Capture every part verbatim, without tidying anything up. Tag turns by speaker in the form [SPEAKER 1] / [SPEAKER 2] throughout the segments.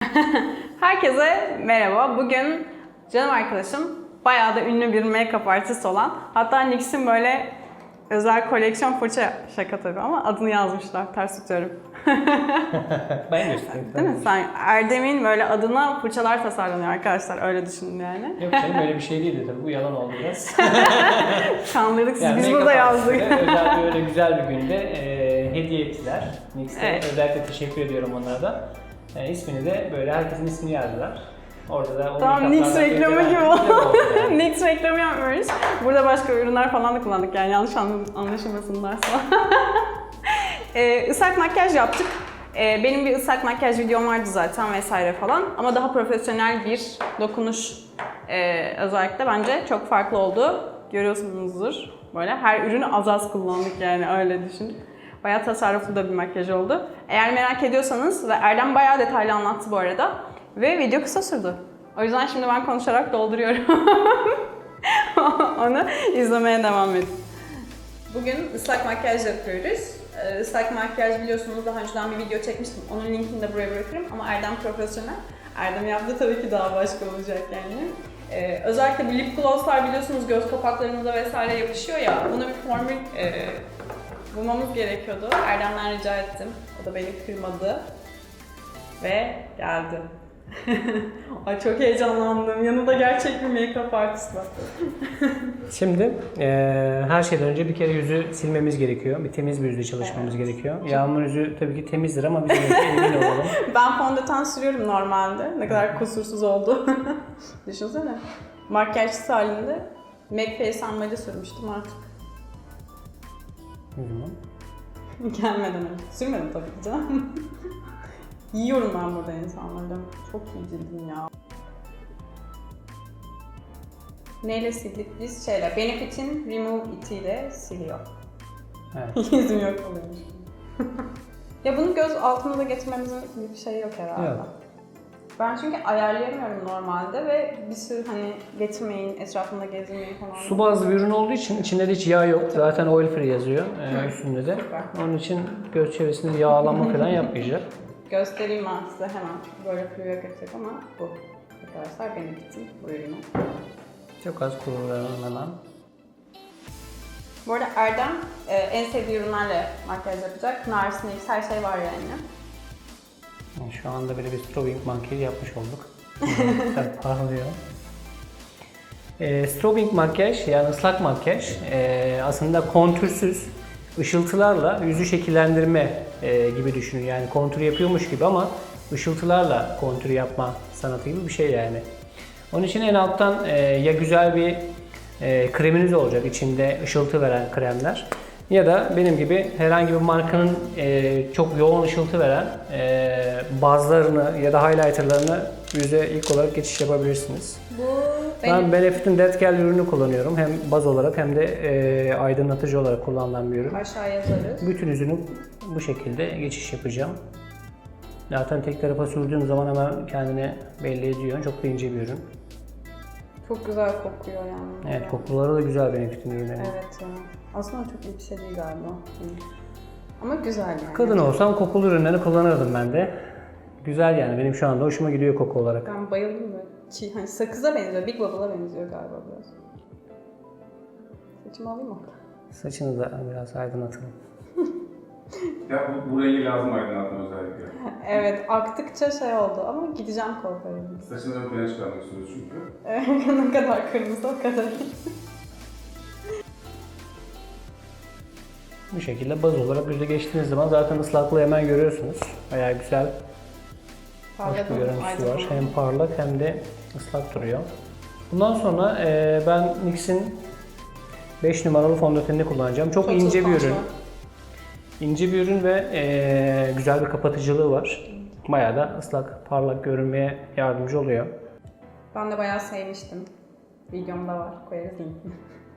[SPEAKER 1] Herkese merhaba. Bugün canım arkadaşım bayağı da ünlü bir make-up artist olan, hatta N Y X'in böyle özel koleksiyon fırça, şaka tabii ama adını yazmışlar. Ters tutuyorum.
[SPEAKER 2] Ben göstereyim.
[SPEAKER 1] Değil mi? Sen Erdem'in böyle adına fırçalar tasarlanıyor arkadaşlar. Öyle düşünün yani.
[SPEAKER 2] Yok canım öyle bir şey değildi tabii. Bu yalan oldu biraz.
[SPEAKER 1] Kandırdık siz.
[SPEAKER 2] Yani
[SPEAKER 1] Biz
[SPEAKER 2] make-up
[SPEAKER 1] burada yazdık.
[SPEAKER 2] artistleri özel bir öyle güzel bir günde e, hediye ettiler. N Y X'e
[SPEAKER 1] Evet.
[SPEAKER 2] özellikle teşekkür ediyorum onlara da. E, ismini de böyle herkesin ismini yazdılar. Orada da o
[SPEAKER 1] Tamam, N Y X
[SPEAKER 2] make-up'lardan
[SPEAKER 1] reklamı
[SPEAKER 2] gönderen
[SPEAKER 1] gibi
[SPEAKER 2] güzel
[SPEAKER 1] oldu.
[SPEAKER 2] oldu yani.
[SPEAKER 1] N Y X reklamı yapmıyoruz. Burada başka ürünler falan da kullandık yani, yanlış anlaşılmasınlarsa. ee, ıslak makyaj yaptık. Ee, benim bir ıslak makyaj videom vardı zaten vesaire falan. Ama daha profesyonel bir dokunuş ee, özellikle bence çok farklı oldu. Görüyorsunuzdur. Böyle her ürünü az az kullandık yani, öyle düşün. Bayağı tasarruflu da bir makyaj oldu. Eğer merak ediyorsanız, ve Erdem bayağı detaylı anlattı bu arada. Ve video kısa sürdü. O yüzden şimdi ben konuşarak dolduruyorum. Onu izlemeye devam edin. Bugün ıslak makyaj yapıyoruz. Ee, Islak makyaj biliyorsunuz, daha önceden bir video çekmiştim. Onun linkini de buraya bırakırım ama Erdem profesyonel. Erdem yaptı tabii ki daha başka olacak yani. Ee, özellikle bu lip glosslar biliyorsunuz göz kapaklarımıza vesaire yapışıyor ya. Buna bir formül e, bulmamız gerekiyordu. Erdem'den rica ettim. O da beni kırmadı. Ve geldi. Ay çok heyecanlandım. Yanında gerçek bir make-up artist var.
[SPEAKER 2] Şimdi e, her şeyden önce bir kere yüzü silmemiz gerekiyor. Bir temiz bir yüzle çalışmamız evet. gerekiyor. Yağmur yüzü tabii ki temizdir ama biz de emin olalım.
[SPEAKER 1] Ben fondöten sürüyorum normalde. Ne kadar kusursuz oldu. Düşünsene. Makyajsız halinde MAC Face Unmade'i sürmüştüm artık.
[SPEAKER 2] Hı hı.
[SPEAKER 1] Gelmeden önce. Sürmedim tabii ki canım. Yiyorum ben burada insanlardan. Çok iyi cildim ya. Neyle sildik biz? Şeyle, Benefit'in Remove It ile siliyor.
[SPEAKER 2] Evet.
[SPEAKER 1] Yüzüm yok oluyormuş. Ya bunu göz altına da getirmemizin bir şey yok herhalde.
[SPEAKER 2] Yok.
[SPEAKER 1] Ben çünkü ayarlayamıyorum normalde ve bir sürü hani getirmeyin, etrafında gezmeyin falan.
[SPEAKER 2] Su bazlı bir ürün olduğu için içinde de hiç yağ yok. Zaten oil free yazıyor e, üstünde de.
[SPEAKER 1] Süper.
[SPEAKER 2] Onun için göz çevresinde yağlanma falan yapmayacak.
[SPEAKER 1] Göstereyim ben size hemen. Böyle fluya götürecek ama bu. Arkadaşlar Benefit'in bu ürünü.
[SPEAKER 2] Çok az kullanıyorum hemen.
[SPEAKER 1] Bu arada Erdem e, en sevdiği ürünlerle makyaj yapacak. Nars, N Y X her şey var yani.
[SPEAKER 2] Yani şu anda böyle bir strobing makyaj yapmış olduk. Tabii parlıyor. E, strobing makyaj yani ıslak makyaj e, aslında kontürsüz ışıltılarla yüzü şekillendirme e, gibi düşünün. Yani kontür yapıyormuş gibi ama ışıltılarla kontür yapma sanatı gibi bir şey yani. Onun için en alttan e, ya güzel bir e, kreminiz olacak, içinde ışıltı veren kremler, ya da benim gibi herhangi bir markanın e, çok yoğun ışıltı veren e, bazlarını ya da highlighterlarını yüze ilk olarak geçiş yapabilirsiniz.
[SPEAKER 1] Bu
[SPEAKER 2] Ben
[SPEAKER 1] benim...
[SPEAKER 2] Benefit'in Death Gel ürünü kullanıyorum. Hem baz olarak hem de e, aydınlatıcı olarak kullanılan bir ürün.
[SPEAKER 1] Aşağı yazarız.
[SPEAKER 2] Bütün yüzünü bu şekilde geçiş yapacağım. Zaten tek tarafa sürdüğüm zaman hemen kendini belli ediyor. Çok da ince bir ürün.
[SPEAKER 1] Çok güzel kokuyor yani.
[SPEAKER 2] Evet, kokuları da güzel Benefit'in ürünleri.
[SPEAKER 1] Evet ya. Aslında çok iyi bir şey değil galiba. Ama güzel yani.
[SPEAKER 2] Kadın olsam kokulu ürünleri kullanırdım ben de. Güzel yani, benim şu anda hoşuma gidiyor koku olarak.
[SPEAKER 1] Ben bayıldım böyle. Çiğ, hani sakıza benziyor, Big Bubble'a benziyor galiba biraz. Saçımı alayım mı?
[SPEAKER 2] Saçını da biraz aydınlatalım.
[SPEAKER 3] Ya bu, bu rengi lazım aydınlatma özellikle.
[SPEAKER 1] Evet, aktıkça şey oldu ama gideceğim korkarım.
[SPEAKER 3] Saçını ön plana çıkarmak istiyoruz çünkü.
[SPEAKER 1] Evet, ne kadar kırmızı o kadar.
[SPEAKER 2] Bu şekilde baz olarak yüze geçtiğiniz zaman zaten ıslaklığı hemen görüyorsunuz. Bayağı güzel, hoş bir görüntüsü var. Hem parlak hem de ıslak duruyor. Bundan sonra e, ben N Y X'in beş numaralı fondötenini kullanacağım. Çok, Çok ince bir ürün. İnce bir ürün ve e, güzel bir kapatıcılığı var. Bayağı da ıslak, parlak görünmeye yardımcı oluyor.
[SPEAKER 1] Ben de bayağı sevmiştim. Videomda var, koyarız linkini.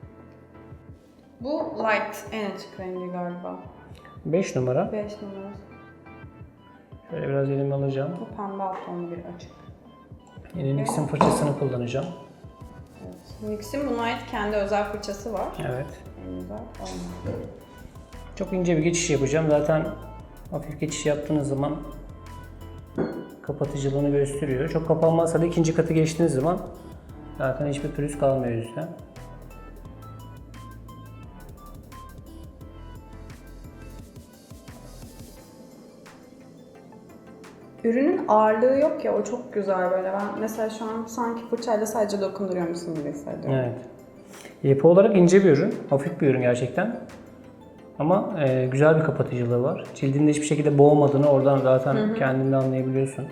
[SPEAKER 1] Bu light, en açık rengi galiba.
[SPEAKER 2] beş numara.
[SPEAKER 1] beş numara.
[SPEAKER 2] Şöyle biraz elime alacağım.
[SPEAKER 1] Bu pembe alt tonlu bir açık.
[SPEAKER 2] Yine N Y X'in fırçasını kullanacağım.
[SPEAKER 1] Evet. N Y X'in buna ait kendi özel fırçası var.
[SPEAKER 2] Evet.
[SPEAKER 1] En güzel olmadı.
[SPEAKER 2] Çok ince bir geçiş yapacağım. Zaten hafif geçiş yaptığınız zaman kapatıcılığını gösteriyor. Çok kapanmazsa da ikinci katı geçtiğiniz zaman zaten hiçbir pürüz kalmıyor yüzde.
[SPEAKER 1] Ürünün ağırlığı yok ya, o çok güzel böyle. Ben mesela şu an sanki fırçayla sadece dokunduruyormuşsun gibi hissediyorum.
[SPEAKER 2] Evet. Yapı olarak ince bir ürün, hafif bir ürün gerçekten. Ama e, güzel bir kapatıcılığı var. Cildinde hiçbir şekilde boğmadığını oradan zaten hı hı. kendinde anlayabiliyorsun.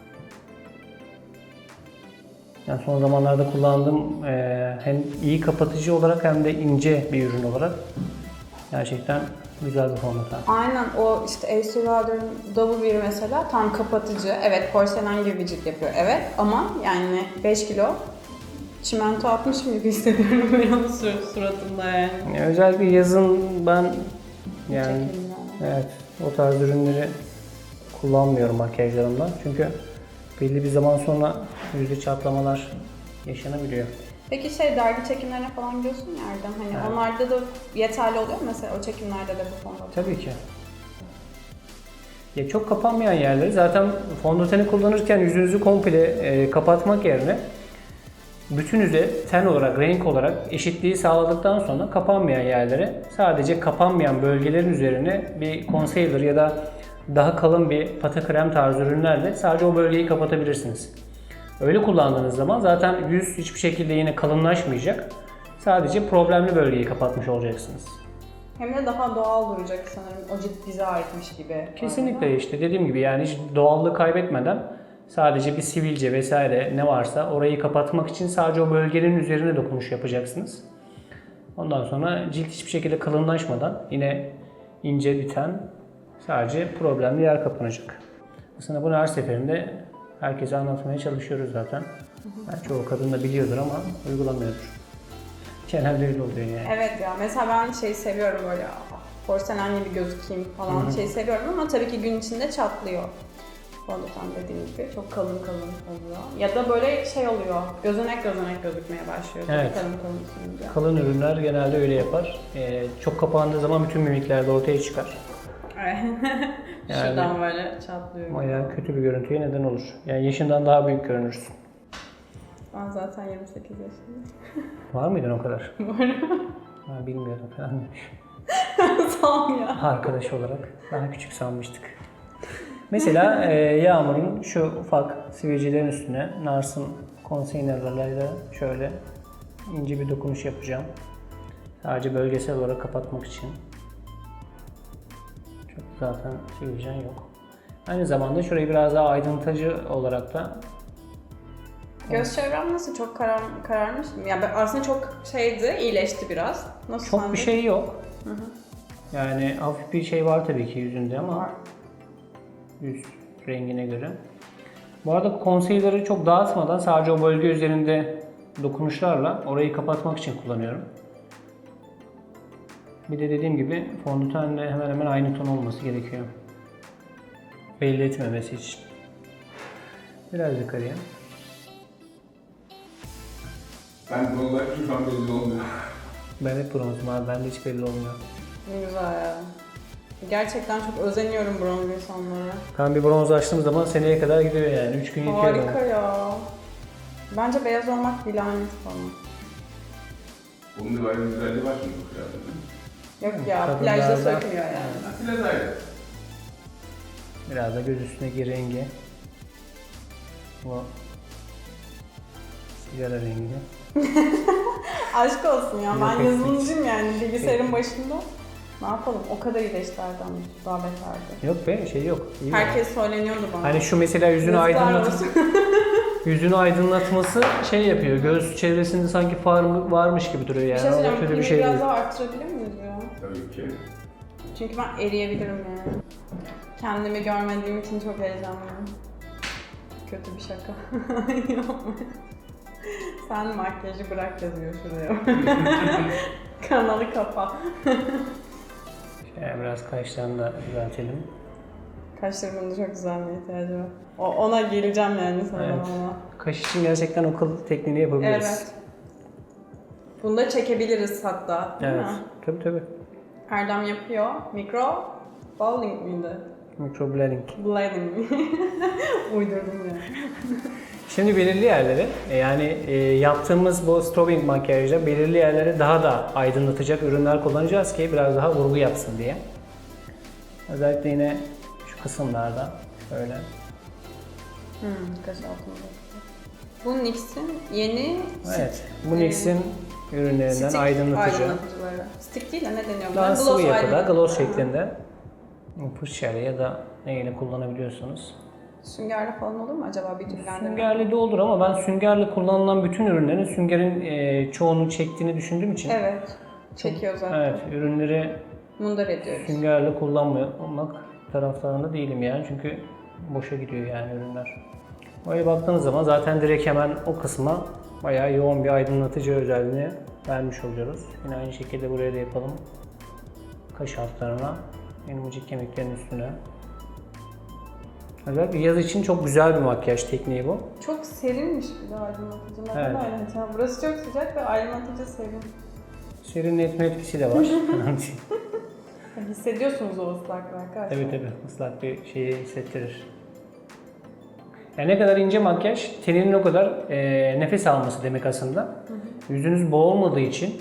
[SPEAKER 2] Yani son zamanlarda kullandığım e, hem iyi kapatıcı olarak hem de ince bir ürün olarak gerçekten güzel bir fondöten.
[SPEAKER 1] Aynen, o işte Estee Lauder'ın Double Wear mesela tam kapatıcı. Evet, porselen gibi bir cilt yapıyor. Evet, ama yani beş kilo çimento atmışım gibi hissediyorum ben onun sur- suratında yani.
[SPEAKER 2] yani. Özellikle yazın ben yani
[SPEAKER 1] yani.
[SPEAKER 2] evet o tarz ürünleri kullanmıyorum makyajlarımda. Çünkü belli bir zaman sonra yüzde çatlamalar yaşanabiliyor.
[SPEAKER 1] Peki şey, dergi çekimlerine falan gidiyorsun ya Erdem, hani evet. Onlarda da yeterli oluyor mu mesela, o çekimlerde de bu fondöten?
[SPEAKER 2] Tabii ki. Ya çok kapanmayan yerleri zaten fondöteni kullanırken yüzünüzü komple e, kapatmak yerine bütün yüze ten olarak, renk olarak eşitliği sağladıktan sonra kapanmayan yerlere sadece kapanmayan bölgelerin üzerine bir concealer ya da daha kalın bir pata krem tarzı ürünlerle sadece o bölgeyi kapatabilirsiniz. Öyle kullandığınız zaman zaten yüz hiçbir şekilde yine kalınlaşmayacak. Sadece problemli bölgeyi kapatmış olacaksınız.
[SPEAKER 1] Hem de daha doğal duracak sanırım, o cilt bize aitmiş gibi.
[SPEAKER 2] Kesinlikle işte dediğim gibi yani hiç doğallığı kaybetmeden sadece bir sivilce vesaire ne varsa orayı kapatmak için sadece o bölgenin üzerine dokunuş yapacaksınız. Ondan sonra cilt hiçbir şekilde kalınlaşmadan yine ince biten sadece problemli yer kapanacak. Aslında bunu her seferinde herkese anlatmaya çalışıyoruz zaten. Yani çoğu kadın da biliyordur ama uygulamıyordur. Genelde öyle oluyor yani.
[SPEAKER 1] Evet ya, mesela ben şeyi seviyorum böyle porselen gibi gözükeyim falan Hı-hı. şeyi seviyorum ama tabii ki gün içinde çatlıyor. Fondöten dediğim gibi çok kalın kalın oluyor. Ya da böyle şey oluyor, gözenek gözenek gözükmeye başlıyor.
[SPEAKER 2] Evet.
[SPEAKER 1] Kalın kalın sürünce.
[SPEAKER 2] Kalın ürünler genelde öyle yapar. Ee, çok kapandığı zaman bütün mimikler de ortaya çıkar.
[SPEAKER 1] Evet. Yani, şuradan böyle çatlıyor.
[SPEAKER 2] Bayağı kötü bir görüntüye neden olur. Yani yaşından daha büyük görünürsün.
[SPEAKER 1] Ben zaten yirmi sekiz yaşındayım.
[SPEAKER 2] Var mıydın o kadar?
[SPEAKER 1] Varım.
[SPEAKER 2] Ben bilmiyorum falan demiş.
[SPEAKER 1] Sağ ol ya.
[SPEAKER 2] Arkadaş olarak daha küçük sanmıştık. Mesela e, Yağmur'un şu ufak sivilcelerin üstüne Nars'ın concealer'larıyla şöyle ince bir dokunuş yapacağım. Sadece bölgesel olarak kapatmak için. Çok zaten sivilcen yok. Aynı zamanda şurayı biraz daha aydınlatıcı olarak da
[SPEAKER 1] göz çevrem nasıl? Çok karar, kararmış mı? Yani aslında çok şeydi, iyileşti biraz. Nasıl
[SPEAKER 2] çok
[SPEAKER 1] sende?
[SPEAKER 2] bir şey yok.
[SPEAKER 1] Hı hı.
[SPEAKER 2] Yani hafif bir şey var tabii ki yüzünde ama
[SPEAKER 1] var.
[SPEAKER 2] Yüz rengine göre. Bu arada concealer'ı çok dağıtmadan sadece o bölge üzerinde dokunuşlarla orayı kapatmak için kullanıyorum. Bir de dediğim gibi fondötenle hemen hemen aynı ton olması gerekiyor. Belli etmemesi için. Biraz yukarıya.
[SPEAKER 3] Ben bu olarak şu an belli olmuyor.
[SPEAKER 2] Ben hep bronzum abi, bende hiç belli olmuyor.
[SPEAKER 1] Ne güzel ya. Gerçekten çok özeniyorum bronz insanlara.
[SPEAKER 2] Ben bir bronz açtığım zaman seneye kadar gidiyor yani. üç gün yetiyor bana.
[SPEAKER 1] Harika ya. Bence beyaz olmak bir lanet falan.
[SPEAKER 3] Bunun da böyle bir güzelliği var şimdi bu kıyafetin.
[SPEAKER 1] Yok ya,
[SPEAKER 2] Kadınlarda-
[SPEAKER 1] plajda sökmüyor yani.
[SPEAKER 3] Biraz ayrı.
[SPEAKER 2] Biraz da göz üstündeki rengi. Bu sigara rengi.
[SPEAKER 1] Aşk olsun ya, ben
[SPEAKER 2] Yok,
[SPEAKER 1] yazılımcıyım yani bilgisayarın başında. Ne yapalım, o kadar iyileştilerden daha beterdi.
[SPEAKER 2] Yok be, şey yok. İyi
[SPEAKER 1] Herkes söyleniyordu bana.
[SPEAKER 2] Hani şu mesela yüzünü
[SPEAKER 1] Yazıklar
[SPEAKER 2] aydınlat
[SPEAKER 1] olsun.
[SPEAKER 2] yüzünü aydınlatması şey yapıyor. Göz çevresinde sanki far varmış gibi duruyor yani.
[SPEAKER 1] Bir şey
[SPEAKER 2] O da
[SPEAKER 1] söyleyeyim,
[SPEAKER 2] kötü
[SPEAKER 1] pili
[SPEAKER 2] bir şey
[SPEAKER 1] biraz
[SPEAKER 2] değil.
[SPEAKER 1] daha arttırabilir miyiz ya?
[SPEAKER 3] Tabii ki.
[SPEAKER 1] Çünkü ben eriyebilirim yani. Kendimi görmediğim için çok heyecanlıyım. Kötü bir şaka. Sen makyajı bırak yazıyor şuraya. Kanalı kapa.
[SPEAKER 2] Şöyle biraz kaşlarını da düzeltelim.
[SPEAKER 1] Kaşlarımın da çok güzelliğe ihtiyacı var. O, ona geleceğim yani sana
[SPEAKER 2] Evet.
[SPEAKER 1] ona.
[SPEAKER 2] Kaş için gerçekten o kıl tekniğini yapabiliriz.
[SPEAKER 1] Evet. Bunu da çekebiliriz hatta, değil
[SPEAKER 2] Evet.
[SPEAKER 1] mi?
[SPEAKER 2] Tabii tabii.
[SPEAKER 1] Erdem yapıyor. Mikro bowling miydi?
[SPEAKER 2] Microblading.
[SPEAKER 1] Blending. Uydurdum ya.
[SPEAKER 2] Şimdi belirli yerleri, e, yani e, yaptığımız bu strobing makyajda belirli yerleri daha da aydınlatacak ürünler kullanacağız ki biraz daha vurgu yapsın diye. Özellikle yine şu kısımlarda şöyle.
[SPEAKER 1] Hmm, kaş altında. Bu NYX'in yeni
[SPEAKER 2] Evet, bu NYX'in ürünlerinden
[SPEAKER 1] stick
[SPEAKER 2] aydınlatıcı.
[SPEAKER 1] aydınlatıcıları. Stick değil de ne deniyor?
[SPEAKER 2] Daha
[SPEAKER 1] buna?
[SPEAKER 2] sıvı
[SPEAKER 1] Gloss
[SPEAKER 2] yapıda,
[SPEAKER 1] aydınlatıcı.
[SPEAKER 2] gloss şeklinde fırçayla ya da neyle kullanabiliyorsunuz.
[SPEAKER 1] Süngerle falan olur mu acaba bir türlü?
[SPEAKER 2] Süngerli de olur ama ben süngerle kullanılan bütün ürünlerin süngerin e, çoğunu çektiğini düşündüğüm için
[SPEAKER 1] Evet. Çekiyor zaten.
[SPEAKER 2] evet, ürünleri
[SPEAKER 1] Mundar ediyoruz.
[SPEAKER 2] süngerle kullanmamak taraftarında değilim yani çünkü boşa gidiyor yani ürünler. Böyle baktığınız zaman zaten direkt hemen o kısma bayağı yoğun bir aydınlatıcı özelliğini vermiş oluyoruz. Yine aynı şekilde buraya da yapalım. Kaş altlarına, elmacık kemiklerin üstüne. Özellikle yaz için çok güzel bir makyaj tekniği bu.
[SPEAKER 1] Çok serinmiş bir de aydınlatıcı. Neden
[SPEAKER 2] Evet.
[SPEAKER 1] aydınlatıcı? Burası çok sıcak ve aydınlatıcı serin.
[SPEAKER 2] Serinletme etkisi de var.
[SPEAKER 1] Hissediyorsunuz o ıslaklığı arkadaşlar.
[SPEAKER 2] Tabii tabii, ıslak bir şeyi hissettirir. Yani ne kadar ince makyaj, teninin o kadar e, nefes alması demek aslında. Hı hı. Yüzünüz boğulmadığı için,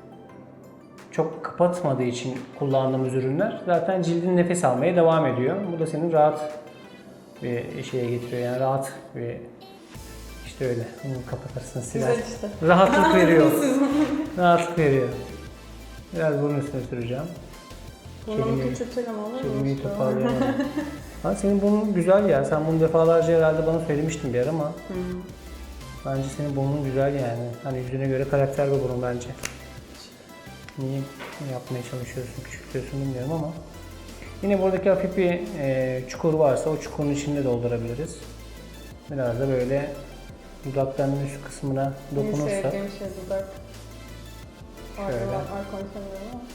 [SPEAKER 2] çok kapatmadığı için kullandığımız ürünler zaten cildin nefes almaya devam ediyor. Bu da senin rahat bir şeye getiriyor yani rahat bir işte öyle. Bunu kapatırsın siler.
[SPEAKER 1] Güzel işte.
[SPEAKER 2] Rahatlık veriyor. Rahatlık veriyor. Biraz bunun üstüne süreceğim.
[SPEAKER 1] Bunu küçültelim olur mu?
[SPEAKER 2] Kelimeyi toparlayamadım. Ha, senin burnun güzel ya. Sen bunu defalarca herhalde bana söylemiştin bir ara ama
[SPEAKER 1] Hmm.
[SPEAKER 2] bence senin burnun güzel yani. Hani yüzüne göre karakter bir burun bence. Niye yapmaya çalışıyorsun, küçültüyorsun bilmiyorum ama yine buradaki hafif bir e, çukur varsa o çukurun içinde doldurabiliriz. Biraz da böyle dudaklarının üst kısmına
[SPEAKER 1] En
[SPEAKER 2] dokunursak.
[SPEAKER 1] sevdiğim şey dudak.
[SPEAKER 2] Şöyle.
[SPEAKER 1] Arkadan konuşamıyorum ama.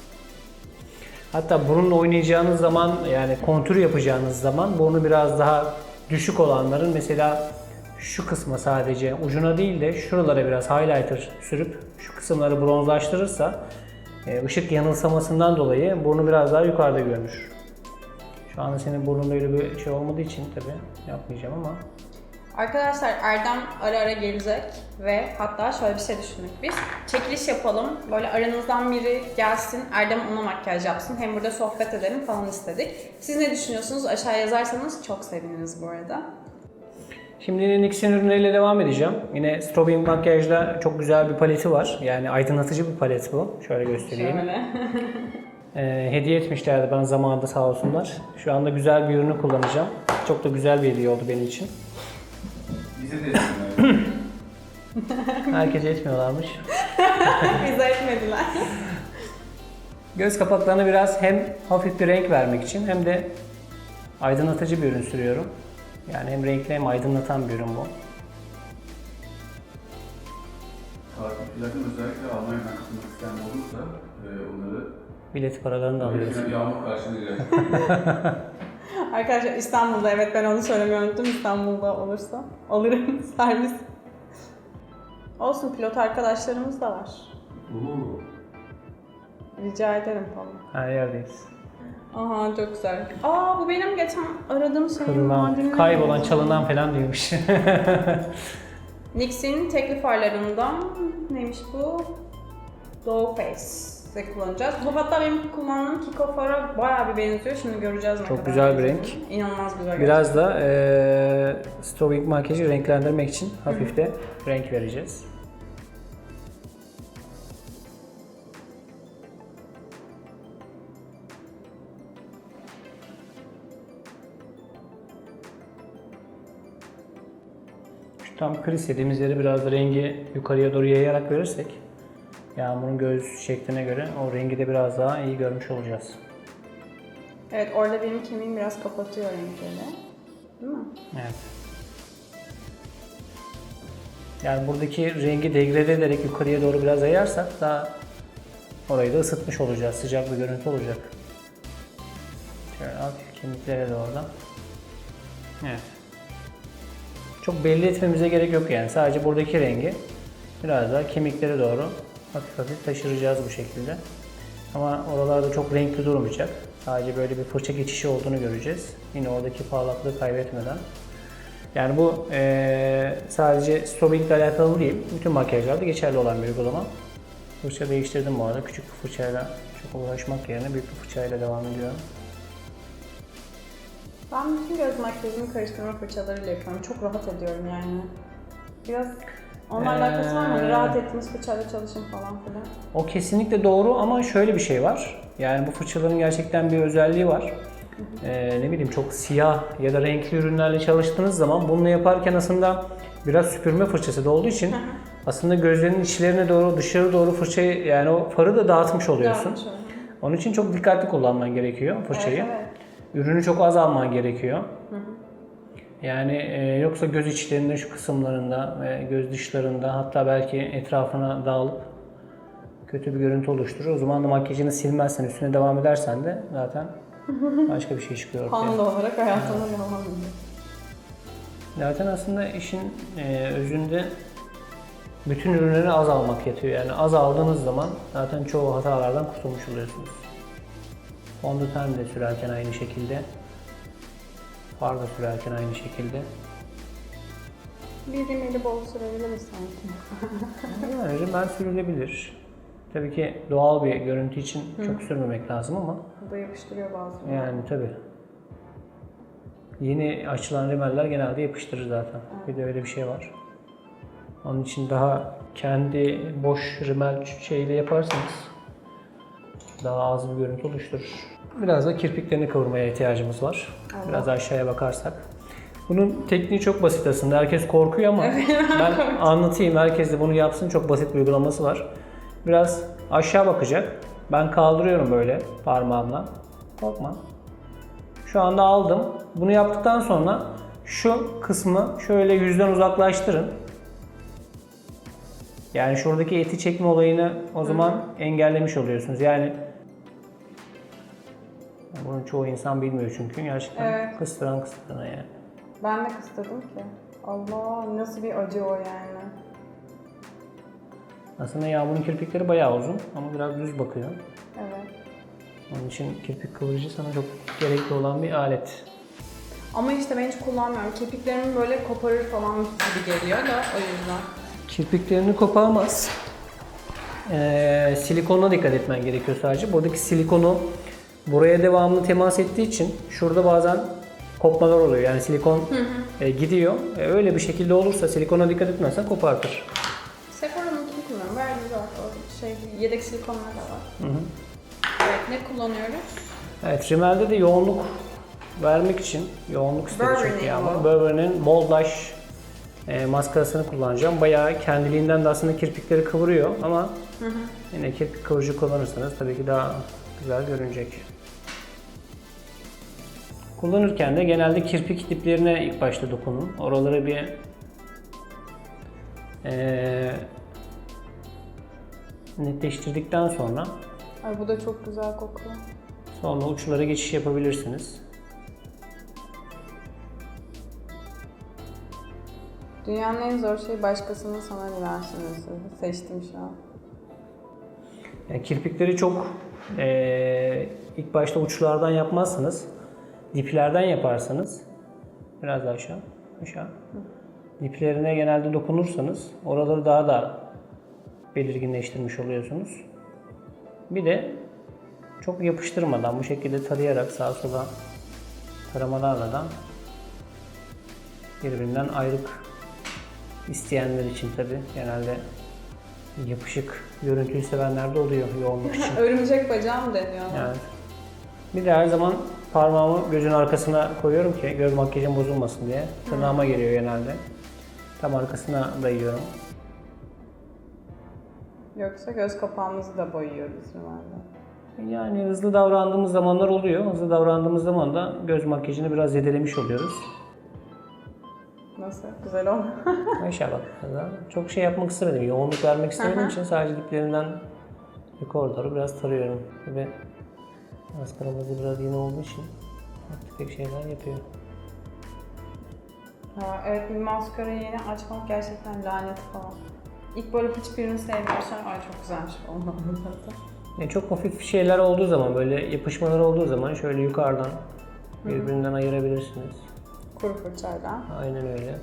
[SPEAKER 2] Hatta burunla oynayacağınız zaman yani kontür yapacağınız zaman burnu biraz daha düşük olanların mesela şu kısma sadece ucuna değil de şuralara biraz highlighter sürüp şu kısımları bronzlaştırırsa e, ışık yanılsamasından dolayı burnu biraz daha yukarıda görünür. Şu anda senin burnunda öyle bir şey olmadığı için tabii yapmayacağım ama.
[SPEAKER 1] Arkadaşlar Erdem ara ara gelecek ve hatta şöyle bir şey düşündük biz. Çekiliş yapalım. Böyle aranızdan biri gelsin, Erdem ona makyaj yapsın. Hem burada sohbet edelim falan istedik. Siz ne düşünüyorsunuz? Aşağı yazarsanız çok seviniriz bu arada.
[SPEAKER 2] Şimdi yine NYX'in ürünleriyle devam edeceğim. Yine strobing makyajda çok güzel bir paleti var. Yani aydınlatıcı bir palet bu. Şöyle göstereyim.
[SPEAKER 1] Şöyle.
[SPEAKER 2] Ee, hediye etmişlerdi bana zamanında sağ olsunlar. Şu anda güzel bir ürünü kullanacağım. Çok da güzel bir hediye oldu benim için.
[SPEAKER 3] Bize de etsinler.
[SPEAKER 2] Herkese etmiyorlarmış.
[SPEAKER 1] Bize etmediler.
[SPEAKER 2] Göz kapaklarına biraz hem hafif bir renk vermek için hem de aydınlatıcı bir ürün sürüyorum. Yani hem renkli hem aydınlatan bir ürün bu.
[SPEAKER 3] Takipçilerden özellikle Almanya'dan katılmak isteyen olursa e, onları
[SPEAKER 2] Bilet paralarını da alıyoruz.
[SPEAKER 3] bir yağmur karşılayacak.
[SPEAKER 1] Arkadaşlar İstanbul'da, evet ben onu söylemeyi unuttum. İstanbul'da olursa alırım servis. Olsun, pilot arkadaşlarımız da var.
[SPEAKER 3] Oo.
[SPEAKER 1] Rica ederim falan.
[SPEAKER 2] Her yerdeyiz.
[SPEAKER 1] Aha çok güzel. Aa bu benim geçen aradığım şeyin
[SPEAKER 2] Kırılan,
[SPEAKER 1] macunları.
[SPEAKER 2] kaybolan, çalınan falan diyormuş.
[SPEAKER 1] NYX'in tekli farlarından neymiş bu? Dough Face'de kullanacağız. Bu hatta benim kullandığım Kiko fara bayağı bir benziyor. Şimdi göreceğiz ne
[SPEAKER 2] Çok
[SPEAKER 1] kadar
[SPEAKER 2] güzel bir
[SPEAKER 1] benziyor.
[SPEAKER 2] renk.
[SPEAKER 1] İnanılmaz güzel.
[SPEAKER 2] Biraz da e, strobing makyajı renklendirmek için hafif de renk vereceğiz. Şu tam kriz dediğimiz yeri biraz da rengi yukarıya doğru yayarak verirsek Yağmur'un göz şekline göre o rengi de biraz daha iyi görmüş olacağız.
[SPEAKER 1] Evet, orada benim kemiğim biraz kapatıyor renkleri. Değil mi?
[SPEAKER 2] Evet. Yani buradaki rengi degrade ederek yukarıya doğru biraz yayarsak daha orayı da ısıtmış olacağız. Sıcak bir görüntü olacak. Şöyle hafif kemiklere doğru da. Evet. Çok belli etmemize gerek yok yani. Sadece buradaki rengi biraz daha kemiklere doğru hafif hafif taşıracağız bu şekilde. Ama oralarda çok renkli durmayacak. Sadece böyle bir fırça geçişi olduğunu göreceğiz. Yine oradaki parlaklığı kaybetmeden. Yani bu e, sadece strobing ile alakalı değil, bütün makyajlarda geçerli olan bir uygulama. Fırça değiştirdim bu arada. Küçük bir fırçayla çok uğraşmak yerine büyük bir fırçayla devam ediyorum.
[SPEAKER 1] Ben bütün göz makyajını karıştırma fırçalarıyla yapıyorum. Çok rahat ediyorum yani. Biraz onunla
[SPEAKER 2] Ee,
[SPEAKER 1] alakası var mı? Hani rahat ettiğiniz fırçayla çalışın falan filan.
[SPEAKER 2] O kesinlikle doğru ama şöyle bir şey var. Yani bu fırçaların gerçekten bir özelliği var. Ee, ne bileyim çok siyah ya da renkli ürünlerle çalıştığınız zaman bunu yaparken aslında biraz süpürme fırçası da olduğu için aslında gözlerinin içlerine doğru, dışarı doğru fırçayı yani o farı da dağıtmış oluyorsun.
[SPEAKER 1] Dağıtmış oluyor.
[SPEAKER 2] Onun için çok dikkatli kullanman gerekiyor fırçayı.
[SPEAKER 1] Evet, evet.
[SPEAKER 2] Ürünü çok az alman gerekiyor. Hı hı. Yani e, yoksa göz içlerinde şu kısımlarında ve göz dışlarında hatta belki etrafına dağılıp kötü bir görüntü oluşturur. O zaman da makyajını silmezsen, üstüne devam edersen de zaten başka bir şey çıkıyor ortaya.
[SPEAKER 1] Panda olarak hayatına devam ediyor.
[SPEAKER 2] Zaten aslında işin e, özünde bütün ürünleri az almak yatıyor. Yani az aldığınız zaman zaten çoğu hatalardan kurtulmuş oluyorsunuz. Fondöten de sürerken aynı şekilde. Far da sürerken aynı şekilde.
[SPEAKER 1] Bir rimeli bol sürebiliriz sanki.
[SPEAKER 2] Yani rimel sürülebilir. Tabii ki doğal bir görüntü için Hı. çok sürmemek lazım ama.
[SPEAKER 1] Bu da yapıştırıyor bazen.
[SPEAKER 2] Yani tabii. Yeni açılan rimeller genelde yapıştırır zaten. Evet. Bir de öyle bir şey var. Onun için daha kendi boş rimel şeyle yaparsanız daha az bir görüntü oluşturur. Biraz da kirpiklerini kavurmaya ihtiyacımız var. Allah. Biraz aşağıya bakarsak. Bunun tekniği çok basit aslında. Herkes korkuyor ama ben anlatayım. Herkes de bunu yapsın. Çok basit bir uygulaması var. Biraz aşağı bakacak. Ben kaldırıyorum böyle parmağımla. Korkma. Şu anda aldım. Bunu yaptıktan sonra şu kısmı şöyle yüzden uzaklaştırın. Yani şuradaki eti çekme olayını o zaman Hı. engellemiş oluyorsunuz. Yani bunu çoğu insan bilmiyor çünkü gerçekten evet. kıstıran kıstıran yani.
[SPEAKER 1] Ben de kıstırdım ki. Allah nasıl bir acı o yani.
[SPEAKER 2] Aslında Yağmur'un kirpikleri bayağı uzun ama biraz düz bakıyor.
[SPEAKER 1] Evet.
[SPEAKER 2] Onun için kirpik kıvırıcı sana çok gerekli olan bir alet.
[SPEAKER 1] Ama işte ben hiç kullanmıyorum. Kirpiklerimi böyle koparır falan gibi geliyor da o yüzden.
[SPEAKER 2] Kirpiklerini koparmaz. Ee, silikonuna dikkat etmen gerekiyor sadece. Buradaki silikonu buraya devamlı temas ettiği için şurada bazen kopmalar oluyor. Yani silikon hı hı. E, gidiyor. E, öyle bir şekilde olursa silikona dikkat etmezsen kopartır.
[SPEAKER 1] Sephora'nınkini kullanıyorum. Verdiği var. O şey, yedek silikonlar da var. Hı hı. Evet, ne kullanıyoruz?
[SPEAKER 2] Evet, rimelde de yoğunluk vermek için, yoğunluk istedi çünkü Yağmur. Burberry'nin Bold Lash e, maskarasını kullanacağım. Bayağı kendiliğinden de aslında kirpikleri kıvırıyor ama hı hı. yine kirpik kıvırıcı kullanırsanız tabii ki daha güzel görünecek. Kullanırken de genelde kirpik diplerine ilk başta dokunun. Oraları bir e, netleştirdikten sonra
[SPEAKER 1] Ay bu da çok güzel kokuyor.
[SPEAKER 2] Sonra uçlara geçiş yapabilirsiniz.
[SPEAKER 1] Dünyanın en zor şeyi başkasının sana güvenmesi. Seçtim şu an.
[SPEAKER 2] Yani kirpikleri çok e, ilk başta uçlardan yapmazsınız. Diplerden yaparsanız biraz daha aşağı, aşağı. Diplerine genelde dokunursanız oraları daha da belirginleştirmiş oluyorsunuz. Bir de çok yapıştırmadan bu şekilde tarayarak sağa sola taramalarla da birbirinden ayrık isteyenler için tabi genelde yapışık görüntüyü sevenler de oluyor yoğunluk için.
[SPEAKER 1] Örümcek bacağı mı deniyor?
[SPEAKER 2] Evet. Bir de her zaman parmağımı gözün arkasına koyuyorum ki göz makyajım bozulmasın diye. Tırnağıma geliyor genelde. Tam arkasına dayıyorum.
[SPEAKER 1] Yoksa göz kapağımızı da boyuyoruz herhalde.
[SPEAKER 2] Yani hızlı davrandığımız zamanlar oluyor. Hızlı davrandığımız zaman da göz makyajını biraz zedelemiş oluyoruz.
[SPEAKER 1] Nasıl? Güzel oldu.
[SPEAKER 2] İnşallah. Çok şey yapmak istemedim. Yoğunluk vermek istemediğim için sadece diplerinden yukarı doğru biraz tarıyorum. Ve maskaramız da biraz yeni olduğu için tefek şeyler yapıyor.
[SPEAKER 1] Ha, evet, bir maskarayı yeni açmak gerçekten lanet falan. İlk böyle hiçbirini sevmiyorsan ay çok güzelmiş olmalı zaten.
[SPEAKER 2] E, çok hafif şeyler olduğu zaman, böyle yapışmalar olduğu zaman şöyle yukarıdan birbirinden ayırabilirsiniz.
[SPEAKER 1] Kuru fırçayla.
[SPEAKER 2] Aynen öyle.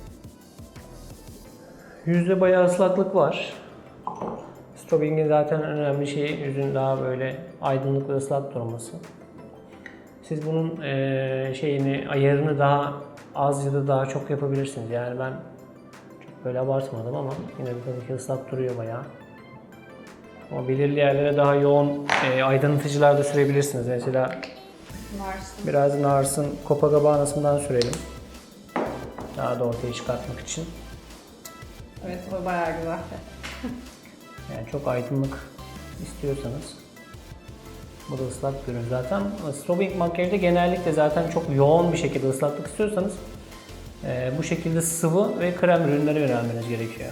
[SPEAKER 2] Yüzde bayağı ıslaklık var. Strobing'in zaten önemli şeyi yüzün daha böyle aydınlık ve ıslak durması. Siz bunun e, şeyini, ayarını daha az ya da daha çok yapabilirsiniz. Yani ben çok böyle abartmadım ama yine de tabii ki ıslak duruyor bayağı. Ama belirli yerlere daha yoğun e, aydınlatıcılar da sürebilirsiniz. Mesela
[SPEAKER 1] Narsın.
[SPEAKER 2] biraz Nars'ın Copacabana'sından sürelim. Daha da ortaya çıkartmak için.
[SPEAKER 1] Evet, o bayağı güzel.
[SPEAKER 2] Yani çok aydınlık istiyorsanız. Bu da ıslak bir ürün zaten. Strobing makyajda genellikle zaten çok yoğun bir şekilde ıslaklık istiyorsanız e, bu şekilde sıvı ve krem ürünlere yönelmeniz gerekiyor.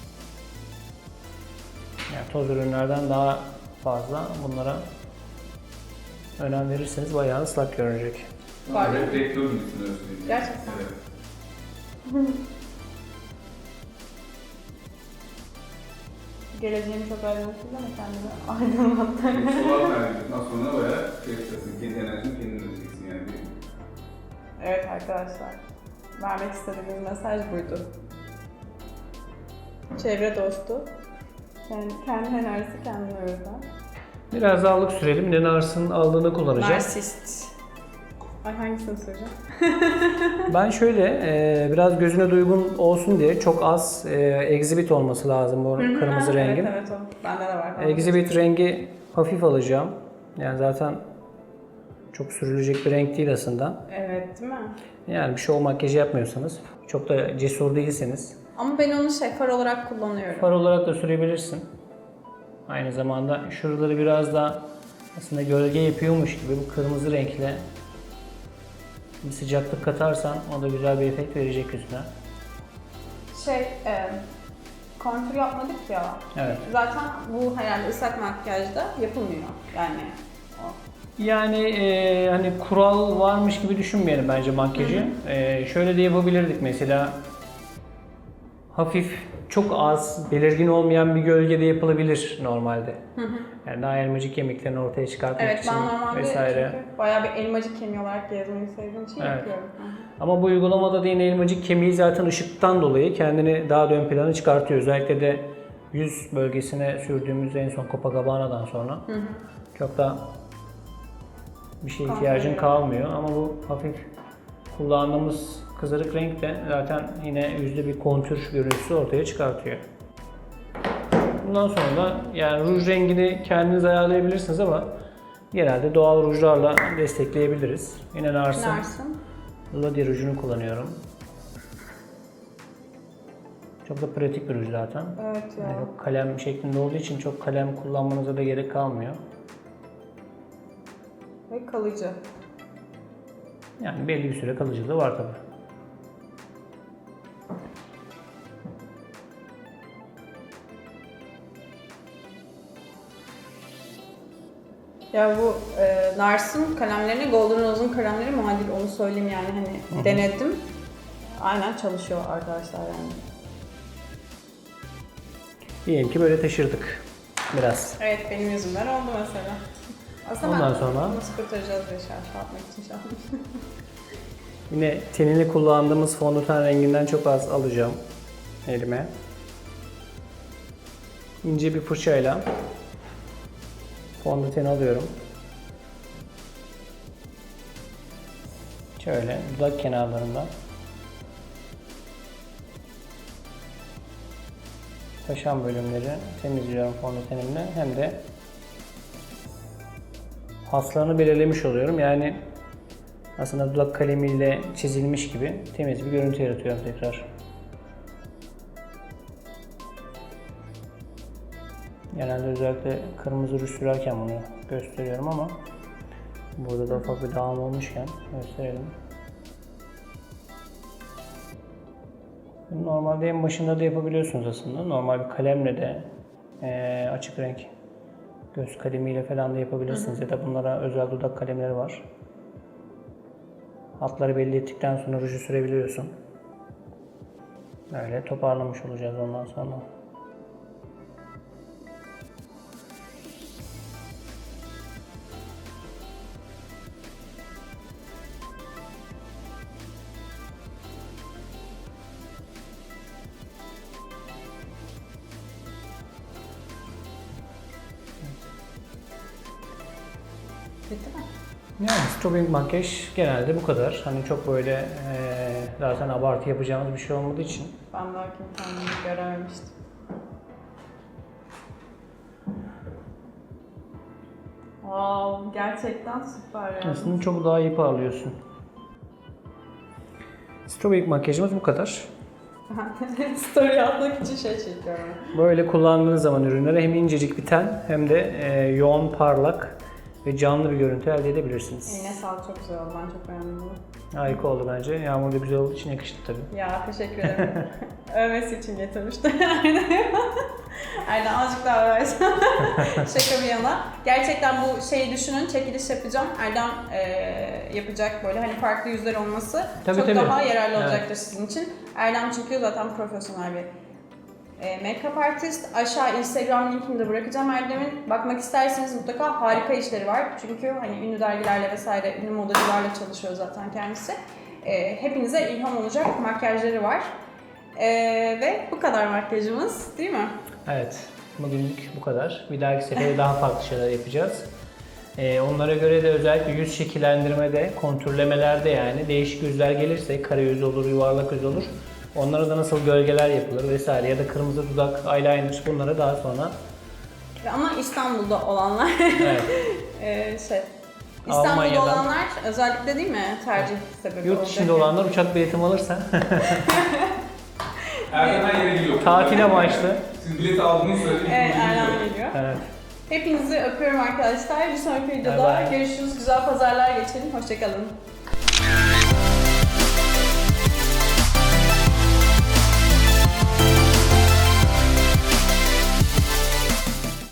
[SPEAKER 2] Yani toz ürünlerden daha fazla bunlara önem verirseniz bayağı ıslak görünecek.
[SPEAKER 1] Var mı?
[SPEAKER 3] Evet, rektör gibisin öyle söyleyeyim.
[SPEAKER 1] Gerçekten.
[SPEAKER 3] Evet.
[SPEAKER 1] Geleceğim çok aydınlatıcı ama kendimi aydınlattım.
[SPEAKER 3] Solar verdikten sonra bayağı şey yapacaksın, kendi enerjini kendin üreteceksin yani.
[SPEAKER 1] Evet arkadaşlar, vermek istediğimiz mesaj buydu. Çevre dostu, kendi, kendi enerjisi kendine üreten.
[SPEAKER 2] Biraz daha allık sürelim. Ne Nars'ın aldığını kullanacağım.
[SPEAKER 1] Narsist. Ay hangisini söyleyeceğim?
[SPEAKER 2] Ben şöyle e, biraz gözüne duygun olsun diye çok az e, exhibit olması lazım bu kırmızı rengin.
[SPEAKER 1] Evet evet o. Bende de var.
[SPEAKER 2] Exhibit rengi hafif alacağım. Yani zaten çok sürülecek bir renk değil aslında.
[SPEAKER 1] Evet değil mi?
[SPEAKER 2] Yani bir show makyajı yapmıyorsanız, çok da cesur değilseniz
[SPEAKER 1] Ama ben onu şey far olarak kullanıyorum.
[SPEAKER 2] far olarak da sürebilirsin. Aynı zamanda şuraları biraz da aslında gölge yapıyormuş gibi bu kırmızı renkle bir sıcaklık katarsan o da güzel bir efekt verecek yüzüne.
[SPEAKER 1] Şey, e, kontür yapmadık ya.
[SPEAKER 2] Evet.
[SPEAKER 1] Zaten bu herhalde ıslak makyajda yapılmıyor. Yani o.
[SPEAKER 2] Yani e, hani kural varmış gibi düşünmeyelim bence makyajı. E, şöyle de yapabilirdik mesela. Hafif, çok az, belirgin olmayan bir gölgede yapılabilir normalde.
[SPEAKER 1] Hı hı.
[SPEAKER 2] Yani daha elmacık kemiklerini ortaya çıkartmak
[SPEAKER 1] Evet
[SPEAKER 2] için
[SPEAKER 1] ben normalde
[SPEAKER 2] vesaire.
[SPEAKER 1] çünkü bayağı bir elmacık kemiği olarak gezmeyi sevdiğim için
[SPEAKER 2] Evet.
[SPEAKER 1] yapıyorum. Hı hı.
[SPEAKER 2] Ama bu uygulamada da yine elmacık kemiği zaten ışıktan dolayı kendini daha da ön plana çıkartıyor. Özellikle de yüz bölgesine sürdüğümüz en son Copacabana'dan sonra
[SPEAKER 1] Hı hı.
[SPEAKER 2] çok da bir şeye
[SPEAKER 1] Kontrol
[SPEAKER 2] ihtiyacın
[SPEAKER 1] ediyor.
[SPEAKER 2] kalmıyor. Ama bu hafif kullandığımız kızarık renk de zaten yine yüzde bir kontür görüntüsü ortaya çıkartıyor. Bundan sonra da yani ruj rengini kendiniz ayarlayabilirsiniz ama genelde doğal rujlarla destekleyebiliriz. Yine Nars'ın
[SPEAKER 1] Narsın.
[SPEAKER 2] Lodi rujunu kullanıyorum. Çok da pratik bir ruj zaten.
[SPEAKER 1] Evet ya.
[SPEAKER 2] Yani çok kalem şeklinde olduğu için çok kalem kullanmanıza da gerek kalmıyor.
[SPEAKER 1] Ve kalıcı.
[SPEAKER 2] Yani belli bir süre kalıcılığı var tabii.
[SPEAKER 1] Ya bu e, Nars'ın kalemlerini, Golden Rose'un kalemleri muadil, onu söyleyeyim yani hani denedim. Aynen çalışıyor arkadaşlar yani.
[SPEAKER 2] Diyelim ki böyle taşırdık biraz.
[SPEAKER 1] Evet benim yüzümden oldu mesela. Aslında
[SPEAKER 2] Ondan
[SPEAKER 1] ben
[SPEAKER 2] sonra?
[SPEAKER 1] nasıl kurtaracağız diye şarj atmak için şu an.
[SPEAKER 2] Yine tenini kullandığımız fondöten renginden çok az alacağım elime. İnce bir fırçayla fondöteni alıyorum. Şöyle dudak kenarlarından taşan bölümleri temizliyorum fondötenimle, hem de hatlarını belirlemiş oluyorum. Yani aslında dudak kalemiyle çizilmiş gibi temiz bir görüntü yaratıyorum tekrar. Genelde özellikle kırmızı ruj sürerken bunu gösteriyorum ama burada da ufak bir dağılma olmuşken gösterelim. Normalde en başında da yapabiliyorsunuz aslında. Normal bir kalemle de e, açık renk göz kalemiyle falan da yapabilirsiniz. Hı hı. Ya da bunlara özel dudak kalemleri var. Hatları belli ettikten sonra ruju sürebiliyorsun. Böyle toparlamış olacağız ondan sonra.
[SPEAKER 1] Bitti mi?
[SPEAKER 2] Yani strobing makyaj genelde bu kadar. Hani çok böyle eee, zaten abartı yapacağımız bir şey olmadığı için.
[SPEAKER 1] Ben belki kendimi görememiştim. Wow, gerçekten süper ya.
[SPEAKER 2] Aslında çok daha iyi parlıyorsun. Strobing makyajımız bu kadar.
[SPEAKER 1] Story atmak için şey çekiyorum.
[SPEAKER 2] Böyle kullandığınız zaman ürünlere hem incecik bir ten hem de eee, yoğun, parlak ve canlı bir görüntü elde edebilirsiniz.
[SPEAKER 1] Eline sağlık, çok güzel oldu. Ben çok beğendim bunu.
[SPEAKER 2] Harika oldu bence. Yağmur da güzel olduğu için yakıştı tabii.
[SPEAKER 1] Ya teşekkür ederim. Övmesi için getirmişti. Aynen azıcık daha översen. Şaka bir yana. Gerçekten bu şeyi düşünün, çekiliş yapacağım. Erdem e, yapacak böyle hani farklı yüzler olması
[SPEAKER 2] Tabii,
[SPEAKER 1] çok
[SPEAKER 2] tabii.
[SPEAKER 1] daha yararlı olacaktır
[SPEAKER 2] Evet.
[SPEAKER 1] sizin için. Erdem çünkü zaten profesyonel bir e, make-up artist. Aşağı Instagram linkini de bırakacağım Erdem'in. Bakmak isterseniz mutlaka harika işleri var. Çünkü hani ünlü dergilerle vesaire, ünlü modacılarla çalışıyor zaten kendisi. E, hepinize ilham olacak makyajları var. E, ve bu kadar makyajımız, değil mi?
[SPEAKER 2] Evet, bugünlük bu kadar. Bir dahaki sefere daha farklı şeyler yapacağız. Ee, onlara göre de özellikle yüz şekillendirmede, kontürlemelerde yani değişik yüzler gelirse, kare yüz olur, yuvarlak yüz olur. Onlara da nasıl gölgeler yapılır vesaire ya da kırmızı dudak, eyeliner bunları daha sonra.
[SPEAKER 1] Ama İstanbul'da olanlar
[SPEAKER 2] Evet.
[SPEAKER 1] e, şey İstanbul'da
[SPEAKER 2] Almanya'dan.
[SPEAKER 1] olanlar özellikle değil mi tercih sebebi
[SPEAKER 2] Yurt
[SPEAKER 1] olacak
[SPEAKER 2] dışında
[SPEAKER 1] yani.
[SPEAKER 2] olanlar uçak biletim alırsa
[SPEAKER 3] Erdem her yere gidiyor.
[SPEAKER 2] tatil amaçlı.
[SPEAKER 3] Siz bileti aldığınızı söyleyin.
[SPEAKER 1] Evet, Erdem geliyor.
[SPEAKER 2] Evet.
[SPEAKER 1] Hepinizi öpüyorum arkadaşlar. Bir sonraki videoda
[SPEAKER 2] Bye bye.
[SPEAKER 1] görüşürüz. Güzel pazarlar geçirin. Hoşçakalın.